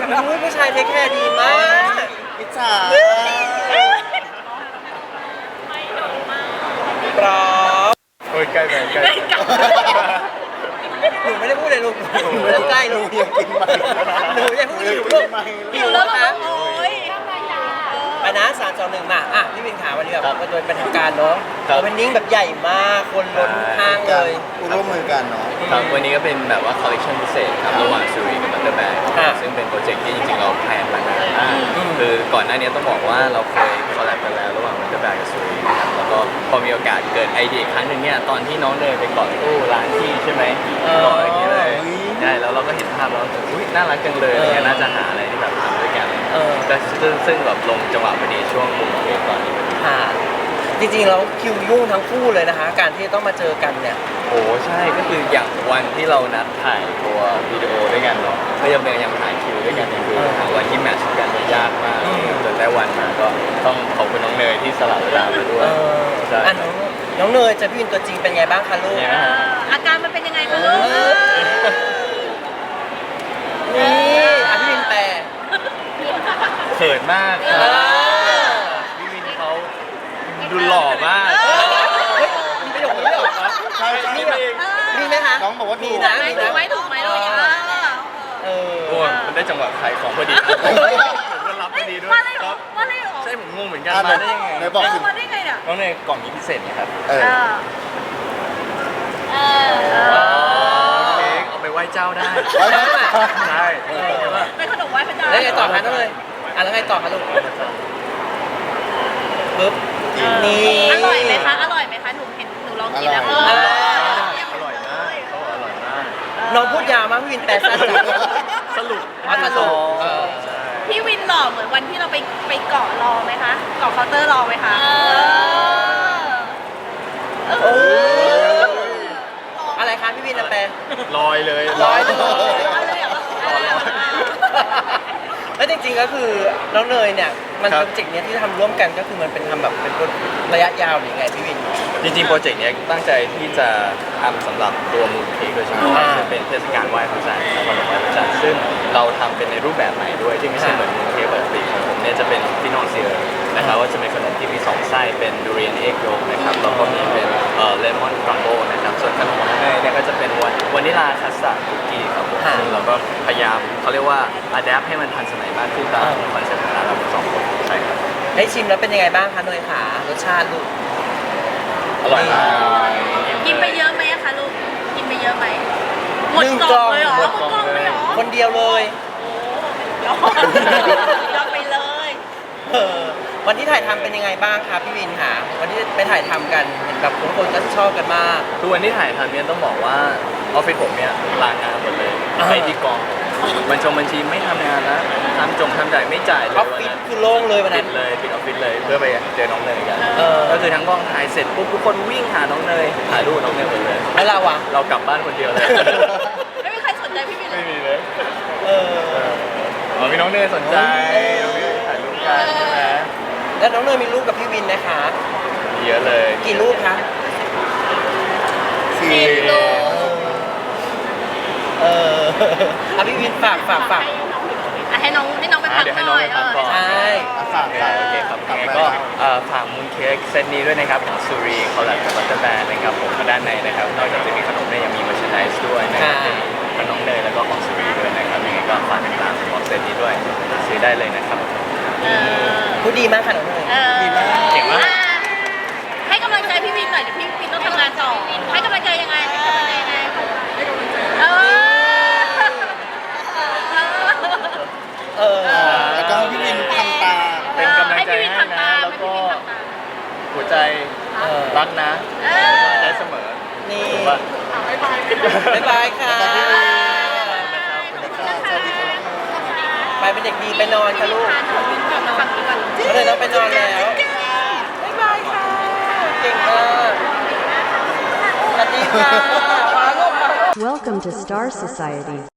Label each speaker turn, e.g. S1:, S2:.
S1: ผู้ชายเทคแคร์ดีมาก
S2: อิจฉา
S1: พร้อม
S3: โอ้ยใกล้ไปใกล้
S1: หนูไม่ได้พูดเลยลูกหนูเริ่มใกล้ลูก
S2: อยากกินไหม
S1: หนูอย่าเพิ่งหิวลูก
S4: หิวแล้วเหรอโอ้ย
S1: ไปนะ3-2-1มาอ่ะพี่วินขาวันนี้แบบโดยเป็นทางการเนาะโอเพนนิ่งแบบใหญ่มากคนล้นห้างเลย
S2: ร่วมมือกันเนาะ
S3: ครับวันนี้ก็เป็นแบบว่าคอลเลคชันพิเศษครับระหว่างซูรีกับบัตเตอร์แบงซึ่งเป็นโปรเจกต์ที่จริงๆเราแพลนมานานมากคือก่อนหน้านี้ต้องบอกว่าเราเคยคอลแลบกันแล้วระหว่างบัตเตอร์แบงกับซูรีนะครับแล้วก็พอมีโอกาสเกิดไอเดียครั้งหนึ่งเนี่ยตอนที่น้องเดินไปเกาะตู้ร้านที่ใช่ไหมเกาะอย่างนี้เลยใช่แล้วเราก็เห็นภาพแล้วอุ้ยน่ารักจังเลยเนี่ยน่าจะหาอะไรที่แบบทำด้วยกันก็ซึ่งแบบลงจังหวะพอดีช่วงมุมเค้กตอนนี้
S1: ค่ะจริงๆแล้วคิวยุ่งทั้งคู่เลยนะคะ การที่ต้องมาเจอกันเนี่ย
S3: โอ้ใช่ก็คืออย่างวันที่เรานัดถ่ายตัววิดีโอด้วยกันเนาะก็ยังถ่ายคิวด้วยกันเนี่ยคือหาวันที่แมทช์กันเนี่ยยากมากจนได้วันมาก็ต้องขอบคุณน้องเนยที่สละเวลามาด้วยใช่
S1: อ่ะน้องเนยเจอพี่วินตัวจริงเป็นไงบ้างคะลูก
S3: เนี่ยนะฮะ
S4: อาการมันเป็นยังไงคะลูก
S1: นี่อ่ะพี่วินแปล
S3: เขินมากพี่วินเขาดูหล่อมาก
S1: เฮ้ยมีประโยคนี้เหรอ
S2: ใช่ใช่
S1: มีแบบมีไหมคะ
S2: น้องบอกว่าถู
S1: มี
S2: ก
S1: นะ
S4: ถูกไหมถูกไหมลูก
S1: เออ
S3: โอ้มันได้จังหวะขายของพอดีผมก็รับพอดีด้วย
S4: มาเลยเห
S3: ค
S4: รอ
S3: รับ
S4: มาเลยเหรอ
S3: ใช่ผมงงเหมือนกัน
S2: อ่ะ
S3: มาได้ยังไง
S2: ไหนบอกสิ
S4: มาได้ไงเนี่ย
S3: น้องเนยกล่องนี้พิเศษนะครับ
S2: เออ
S3: เค้กเอาไปไหว้เจ้าได้
S2: ไว้นะ
S3: ใช่
S4: เป็นขนมไหว้พระเจ้า
S1: แล้วไงต่อคะน้องเนยอ่ะแล้วไงต่อคะลูกปึ๊บนี่
S4: อร่อยไหมคะอร่อยไหมคะหนูเห็นหนูลองกินแล้ว
S3: อร่อยมากเขาบอกอร่อยมาก
S1: น้องพูดยาวมากพี่วินแปลสั้นจัง
S3: สรุป
S1: อ๋อสรุป
S3: ใช่
S4: พี่วินหล่อเหมือนวันที่เราไปเกาะรอไหมคะเกาะเคาน์เตอร์รอไหมคะ
S1: โอ้อะไรคะพี่วินแปล
S3: ลอยเลย
S1: ร้อยเลย
S4: เลยเหรอ
S1: แล้วจริงๆก็คือน้องเนยเนี่ยมันโปรเจกต์เนี้ยที่ทำร่วมกันก็คือมันเป็นทำแบบเป็นระยะยาวหรือไงพี่วิน
S3: จริงๆโปรเจกต์เนี้ยตั้งใจที่จะทำสำหรับตัวมูลเค้กโดยเฉพาะซึ่งเป็นเทศกาลไหว้พระจันทร์วันไหว้พระจันทร์ซึ่งเราทำเป็นในรูปแบบใหม่ด้วยที่ไม่ใช่เหมือนมูลเค้กปกติของผมเนี่ยจะเป็นฟินอลเซียร์นะครับว่าจะเป็นขนมที่มี2ไส้เป็นดูเรียนเอ็กโยกนะครับแล้วก็มีเป็นเลมอนครัมโบนะครับส่วนขนมของแม่เนี่ยก็จะเป็นวานิลาคัสตาร์ดคุกกี้ครับผมซึ่งเราก็พยายามเขาเรียกว่าอัดแอปให้มันทันสมัยมากขึ้นตามคอนเซ็ปต์ของร้านเราสองคนใช่ครับ
S1: ได้ชิมแล้วเป็นยังไงบ้างคะเนยขารสชาติลูก
S3: อร่อยมาก
S4: กินไปเยอะไหมอะคะลูกกินไปเยอะไหมหมดกล่องเลยเหรอหมดกล่องเลยเหรอ
S1: คนเดียวเลย
S4: ยอมไปเลย
S1: เออวันที่ถ่ายทำเป็นยังไงบ้างคะพี่วินคะวันที่ไปถ่ายทำกันเห็นแบบทุกคนก็ชอบกันมาก
S3: คือวันที่ถ่ายทำเนี่ยต้องบอกว่าออฟฟิศผมเนี่ยลางานหมดเลยไปที่กองบัญชีไม่ทำงานแล้วทำจ่ายไม่จ่ายเลย
S1: ออฟฟิศคือโล่งเลยวัน
S3: ปิ
S1: นั้
S3: ด
S1: น
S3: เลยปิดออฟฟิศเลยเพื่อไปเจอน้องเนยกัน
S1: เออ
S3: ก็คือทั้งกองถ่ายเสร็จปุ๊บทุกคนวิ่งหาน้องเนยถ่ายรูปน้องเนยหมดเลย
S1: แล้วเราอะ
S3: เรากลับบ้านคนเดียวเลย
S4: ไม่มีใครสนใจพี่วินเล
S3: ไม่
S4: ย
S3: มีเลย
S1: เออ
S3: มีน้องเนยสนใจน้องเนยถ่ายรูปกันใช่ไหม
S1: แล้วน้องเนยมีรูปกับพี่วินนะคะ
S3: มีเยอะเลย
S1: กี่รูปคะ
S2: สี่
S1: เออเอาพี่วินฝาก
S4: ให้น้องไปพัก
S3: เดี๋ยวให้
S4: ห
S3: น้อง
S4: น่อย
S3: ไปพักก่อน
S1: ใช่
S2: ฝาก
S3: โอเคครับยังไงก็ฝากมูนเค้กเซตนี้ด้วยนะครับของซูรีคอลแลบกับบัตเตอร์แบนนะครับผมด้านในนะครับนอกจากจะมีขนมเนี่ยยังมีเมอร์ชานดิสด้วยนะครับเป็นขนมเนยแล้วก็ของซูรีด้วยนะครับยังไงก็ฝากติดตามของเซตนี้ด้วยซื้อได้เลยนะครับ
S1: พูดดีมากค่ะน้องเนย
S3: เก่งมาก
S4: ให้กำลังใจพี่วินหน่อยเดี๋ยวพี่วินต้องทำงานต่อให้กำลังใจยังไงเออ
S2: แล้วก็ให้พี่วินทำตา
S3: เป็นกำลังใจให้นะแล้วก็หัวใจรักนะได้เสมอ
S1: นี่
S3: ถูกป่ะ
S1: บ๊ายบายค่ะ ไปเป็นเด็กดีไปนอนค่ะลูกก็เลยต้องไปนอนแล้วบ๊ายบายค่ะ เก่งมากสวัสดีค่ะ
S5: Welcome to Star Society.